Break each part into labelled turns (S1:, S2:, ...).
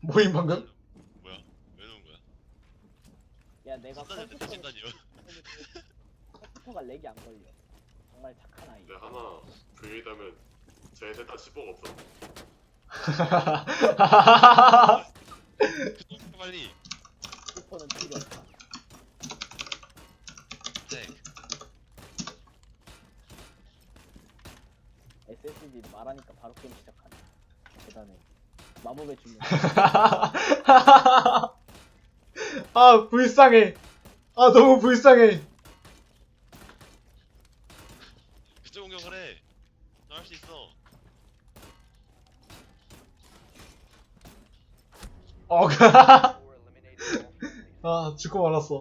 S1: 모임 방금?
S2: 뭐야? 왜 넣은 거야?
S3: 야 내가
S2: 컴퓨터 대신다니요.
S3: 컴퓨터가 렉이 안 걸려. 정말 착한 아이.
S4: 근데 하나 그게 있다면 제 셋 다 10억 없어.
S2: 빨리.
S3: 슈퍼는 필요 없다.
S2: 네.
S3: SSD 말하니까 바로 게임 시작하네. 대단해. 마법의 주문.
S1: 아 불쌍해. 아 너무 불쌍해.
S2: 그쪽 공격을 해. 너 할 수 있어.
S1: 아 죽고 말았어.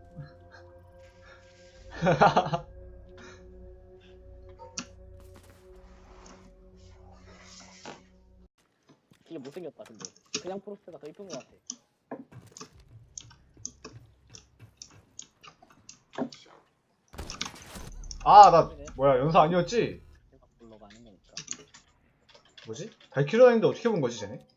S3: 되게 못생겼다 근데. 그냥 프로스트가 더 이쁜 것 같아.
S1: 아 나 뭐야 연사 아니었지?
S3: 내가 불러가는 거니까.
S1: 뭐지? 발키리 다니는데 어떻게 본 거지 쟤네?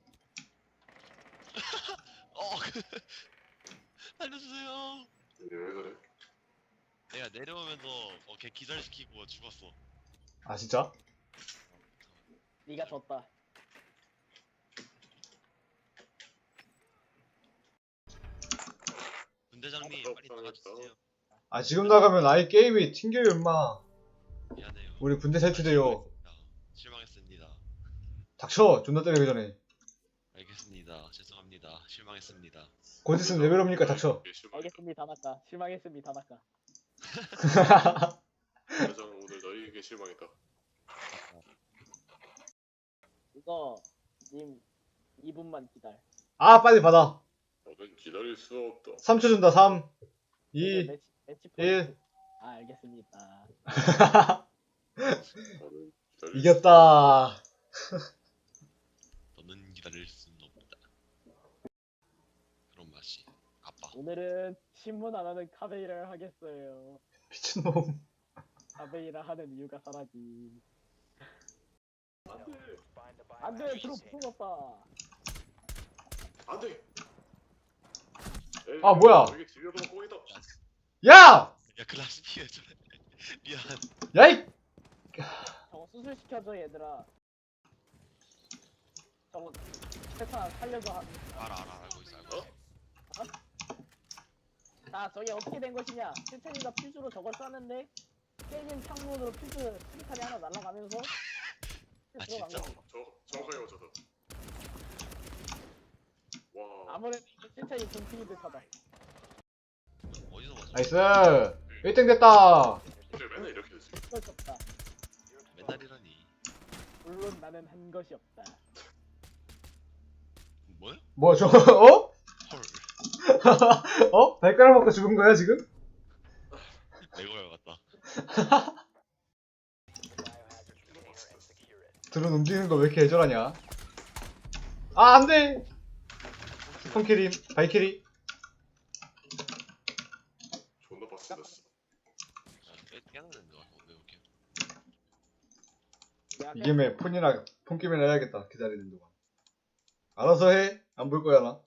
S2: 살려주세요.
S4: 왜 그래?
S2: 내가 내려오면서 걔 기절시키고 죽었어.
S1: 아 진짜?
S3: 네가 졌다.
S2: 분대장님 빨리 나가주세요.
S1: 아 지금 나가면 아예 게임이 튕겨요 임마.
S2: 미안해요.
S1: 우리 군대 탈출돼요.
S2: 실망했습니다.
S1: 닥쳐 존나 때리기 전에.
S2: 알겠습니다. 죄송합니다. 실망했습니다.
S1: 곧 있으면 레벨업이니까 닥쳐.
S3: 알겠습니다 다나까. 실망했습니다 다나까.
S4: 여장 오늘 너희에게 실망했다.
S3: 이거 님 2분만 기다려.
S1: 아 빨리 받아.
S4: 너는 기다릴 수 없다.
S1: 3초 준다. 3 2
S3: 매치
S1: 1
S3: 포인트. 아 알겠습니다.
S4: 너는 기다릴
S1: 이겼다.
S2: 너는 기다릴 수는 없다. 그런 맛이. 아빠.
S3: 오늘은 신문 안 하는 카베이라를 하겠어요.
S1: 미친놈.
S3: 카베이라 하는 이유가 사라지.
S4: 수 없다.
S3: 안돼 드롭 부쉈다.
S4: 안돼.
S1: 아, 뭐야?
S4: 이게 집여도 꽁이다.
S1: 야!
S2: 야 클라스피에 저래. 미안.
S1: 야이!
S3: 저거 수술시켜줘 얘들아. 저거 세타 살려서
S2: 알아 알고 있어 알고 있어.
S3: 자 저게 어떻게 된 것이냐. 세찬이가 퓨즈로 저걸 쐈는데 깨진 창문으로 퓨즈 수류탄이 하나 날아가면서
S2: 아,
S3: 들어간
S2: 진짜?
S3: 거지.
S4: 정확하게 맞췄다. 와.
S3: 아무래도 세찬이 동fin이 듯하다.
S2: 어디서 맞아?
S1: 나이스! 1등 됐다!
S4: 근데 맨날 이렇게 됐어.
S3: 어쩔 수 없다.
S2: 맨날이라니.
S3: 물론 나는 한 것이 없다.
S2: 뭐야?
S1: 뭐 저 어?
S2: 헐.
S1: 어? 발가락 먹고 죽은 거야 지금?
S2: 레고야 같다.
S1: 드론 움직이는 거 왜 이렇게 애절하냐? 아 안돼! 스폰키림 발키리
S4: 존나 빡세졌어.
S2: 깨는데 와. 왜 이렇게?
S3: 야,
S1: 이 김에 폰게임이나 해야겠다 기다리는 동안. 알아서 해. 안 볼 거야 나.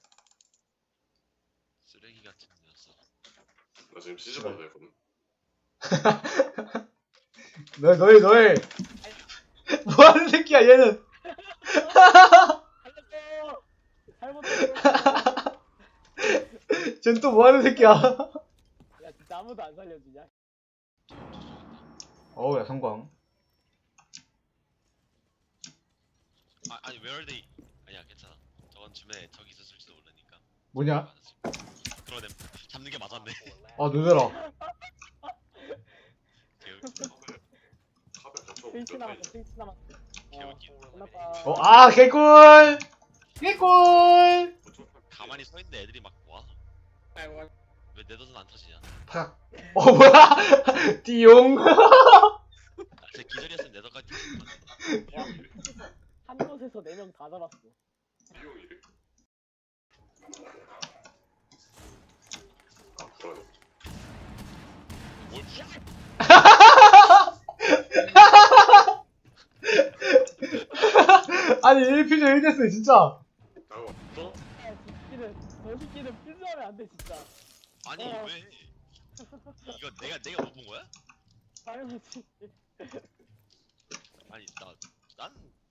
S2: 쓰레기 같은 녀석.
S4: 나 지금 시집가도 되거든.
S1: 너희 뭐하는 새끼야 얘는.
S3: 살렸어! 잘못했어.
S1: 쟨 또 뭐하는 새끼야.
S3: 야 진짜 아무도 안 살려주냐?
S1: 어우 야 성광.
S2: 아니 웨얼데이. 아니야 괜찮아. 저건 주변에 적이 있었을지도 모르니까.
S1: 뭐냐?
S2: 그러네. 잡는 게 맞았네.
S1: 아 늦어라.
S4: 카베 갇혀.
S3: 스위치 남았어 스위치 남았어.
S2: 개웃기네.
S3: 끝났다.
S1: 아 개꿀. 개꿀.
S2: 가만히 서 있는 애들이 막 와. 왜 내 덫은 안 터지냐?
S1: 팍. 뭐야? 띠용.
S2: 제 기절이었으면 내 덫까지 터질 것
S3: 와, 한 곳에서 4명 다 잡았어.
S4: 비용이래. 아 불안해.
S2: 뭘
S1: 아니 1피조 1됐어 진짜.
S4: 아 왔어?
S3: 저 새끼는 필수하면 안 돼 진짜.
S2: 아니
S3: 어.
S2: 왜? 이거 내가 못 본 거야?
S3: 당연하지.
S2: 아니 난